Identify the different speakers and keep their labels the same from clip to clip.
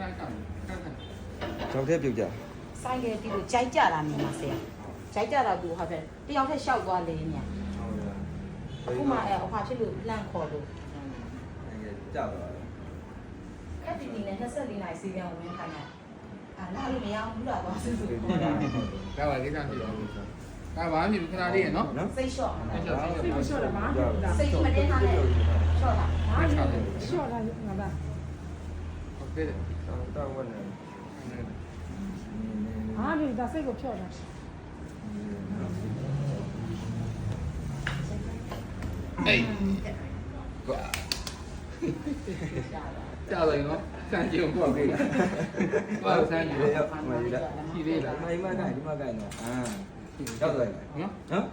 Speaker 1: ကျောက်ထဲပြုတ်ကြ
Speaker 2: ဆိုင်ကဒီလိုကြိုက်ကြတာမြင်ပါဆရာကြိုက်ကြတာသူဟုတ်တယ်တယောက်ထက်လျှောက်သွားလေမြန်အခုမှအဖွာဖြစ်လို့လန့်ခေါ်လို့
Speaker 1: ကြောက်တော့
Speaker 2: ခက်တီတီနဲ့24နိုင်စီပြန်ဝင်ခိုင်းတာလာလို့မရဘူးလားသွားစစ်စစ်ခေါ်တာ
Speaker 3: ဒါပါကိစ္စဖြစ်တော့ဒါပါမြင်ခဏလေးရနော်
Speaker 2: စိတ်လျှော့
Speaker 3: စိတ်လျှော့
Speaker 4: စိတ်ကိုလျှော့တယ်မှာ
Speaker 2: စိတ်မတင်းထားနဲ့လျှော့တာ
Speaker 4: ဟာလျှော့တာငါပါ
Speaker 3: ဟုတ်ကဲ့
Speaker 1: တောင်းဝင်နေ
Speaker 4: ဟာဒီဒါစိတ်ကိုဖြော့တာ
Speaker 3: အေးကွာကြာတယ်နော်စမ်းကြည့်ပေါ့ကိဘာစမ်းကြည့်
Speaker 1: လေရောက်မှရ
Speaker 3: ရှိသေးလား
Speaker 1: ဒီမှာကိုင်နော်ရောက်သွားပြီ
Speaker 3: နော်
Speaker 1: နော်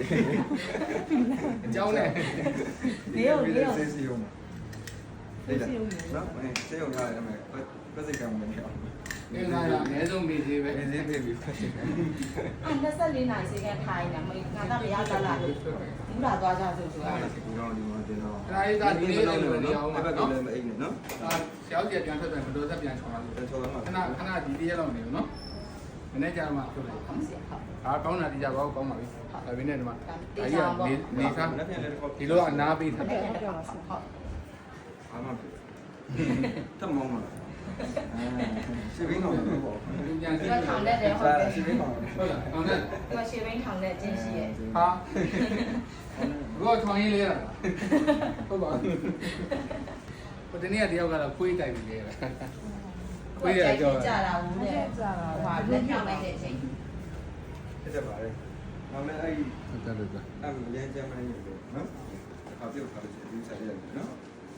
Speaker 3: အကြောင်းနဲ့
Speaker 2: နေရောနေရော
Speaker 1: ဆေးစီအောင်လေနော်ဆေးအောင်ရတယ်မယ်ပတ်စိတ်ကံမနေအောင်
Speaker 3: ဒီကကအနည်းဆုံးမိသေးပဲ
Speaker 1: ဆေးပေးပြီး
Speaker 2: 24နိုင်စီကန်ထိုင်နေငါတော့မရလာလားလို့ဘူးလာသွားကြဆိုဆို
Speaker 1: အားလည်းဒီတော့ဒီမှာတင်တော့
Speaker 3: ခဏလေးသာဒီနေ့လည်းနေအောင်ပါ
Speaker 1: ဘက်က
Speaker 3: နော်
Speaker 1: လည်းမအိတ်နဲ့နော်
Speaker 3: ဒါရောက်ပြပြန်ထွက်ပြန်မတော်သက်ပြန်ချောင်းလာလို့
Speaker 1: တချို့တော့
Speaker 3: ခဏဒီတရက်လောက်နေဘူးနော်မနေ့ကျမှထုတ်လိုက်
Speaker 2: ဟုတ်ဆရာဟုတ်
Speaker 3: ဒါကောင်းတာဒီကြကောင်းပါပြီဒါပေမဲ့ဒီမှာနေစား
Speaker 1: လက်ပြန်လည်း
Speaker 3: ဒီလိုအနာပေးထား
Speaker 4: ဟုတ်ပြောပါဆရာ
Speaker 2: ဟုတ်
Speaker 1: အားမတမောင်းလာရှင်းဘင်းတော့ပေါ့
Speaker 3: ပြန်
Speaker 2: ဒီ
Speaker 3: စီး
Speaker 2: ကထောင်တဲ့တယ်ဟုတ်တယ်
Speaker 1: ရှင်းဘင်းတော့
Speaker 3: ဟုတ်လားဟုတ်တယ်
Speaker 2: ဒီကရှေ့ဘင်းထောင်တဲ့ကျင်းရှိရဲ့
Speaker 3: ဟာဘောထောင်းရင်းလေးရတာဟုတ်ပါဘူးဟိုတနေ့ကတယောက်ကတော့ခွေးတိုက်ပြီးလေခွေးရကြော
Speaker 2: ကြတာဘူးတဲ့
Speaker 4: ကြာတာ
Speaker 2: ဟိုလက်ညှောက်လိုက်တဲ့အချိန်
Speaker 1: ဖြစ်တယ်ပါလေနောက်လည်းအဲ့
Speaker 3: ဟုတ်တယ်ဟုတ်တယ်
Speaker 1: အဲ့ရန်ကြမ်းမနေလို့နော်အခါပြုတ်ခါလို့ဒီစားရတယ်နော်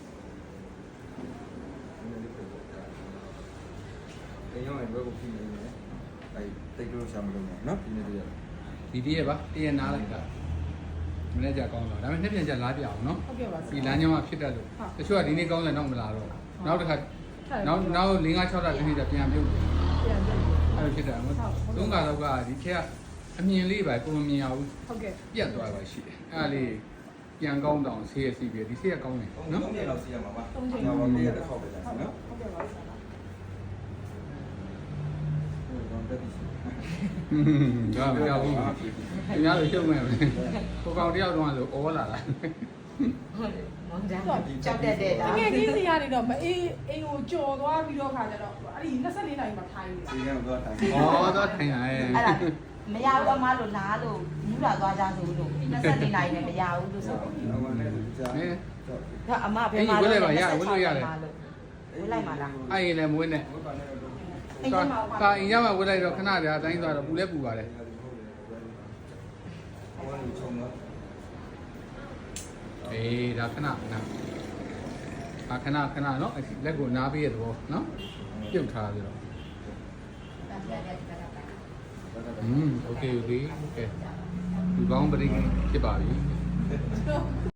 Speaker 1: အဲ့ရောဘယ်ကိုပြင်နေလဲအဲ့တိတ်လို့ရှာမလို့နော်ဒီနေ့တည်းရ
Speaker 3: ဒီတရက်ပါတရက်နားလိုက်တာမနေ့ကျကောင်းတော့ဒါပေမဲ့နှစ်ပြန်ကျလားပြအောင်နော်
Speaker 4: ဟုတ်ပြောပါဆ
Speaker 3: ဒီ
Speaker 4: ရာ
Speaker 3: လမ်းကြောင်းကဖြစ်တတ်လို့တချို့ကဒီနေ့ကောင်းတယ်တော့မလာတော့နောက်တစ်ခါနောက်5 6တာဒီနေ့ကျပြန်ပြုတ်တယ်
Speaker 4: ပြန်ပြန်
Speaker 3: အဲ့လိုဖြစ်တာမဟုတ်သုံးကတော့ကဒီခက်အမြင်လေးပဲကိုမမြင်အောင်
Speaker 4: ဟုတ်ကဲ့
Speaker 3: ပြတ်သွားပါရှိတယ်အဲ့ဒါလေးပြန်ကောင်းတောင်ဆေးရစီပြီးဒီဆေးရကောင်းတယ်
Speaker 1: နော်
Speaker 3: နော်
Speaker 1: 3ရက်လောက်စီးရမှာပါနောက်ပါနေ့တစ်ခေါက်ပဲလားနော်
Speaker 4: ဟုတ်ကဲ့ပါဆရာ
Speaker 1: ဟုတ်တော့တက်ပြီ
Speaker 3: ဒါမပြောဘူးသူများလိုရှုံ့မဲ့ပဲကိုကောင်တယောက်တော့ဆိုဩလာတာ
Speaker 2: ဟုတ်တယ်မောင်တန်းကြောက်တတ်တဲ့ဒါ
Speaker 4: တကယ်ကြီးစီကနေတော့မအေးအိမ်ကိုကြော်သွားပြီးတော့ခါကြတော့အဲ့ဒီ24နိုင်မှာထိုင်နေ
Speaker 1: စီးကတော့တိုင်း
Speaker 3: ဩတော့ထိုင်ရရဲ့
Speaker 2: အဲ့ဒါမရဘူးအမလို့လားလို့မူးလာသွားကြဆိုလို့24နိုင်နဲ့မရဘူးလို့ဆိုတော့
Speaker 1: နောက်ပါနဲ့ကြာ
Speaker 3: ဟဲ့
Speaker 2: အမဘယ်မှာဝလိုက်မှာလား
Speaker 3: အဲ့ရင်လည်းမွေးနဲ့
Speaker 1: ဝတ်ပါနဲ့တော့
Speaker 2: အိမ်မှာ
Speaker 3: ကာအင်ရမှာဝတ်လိုက်တော့ခဏကြာအတိုင်းသွားတော့ပူလဲပူပါလေ
Speaker 1: ဟောလို့ချုံတော့
Speaker 3: အေးဒါခဏခဏနော်လက်ကိုနားပေးရတော့နော်ပြုတ်ထားပြီးတော့โอเคဒီကောင်းပရိဖြစ်ပါပြီ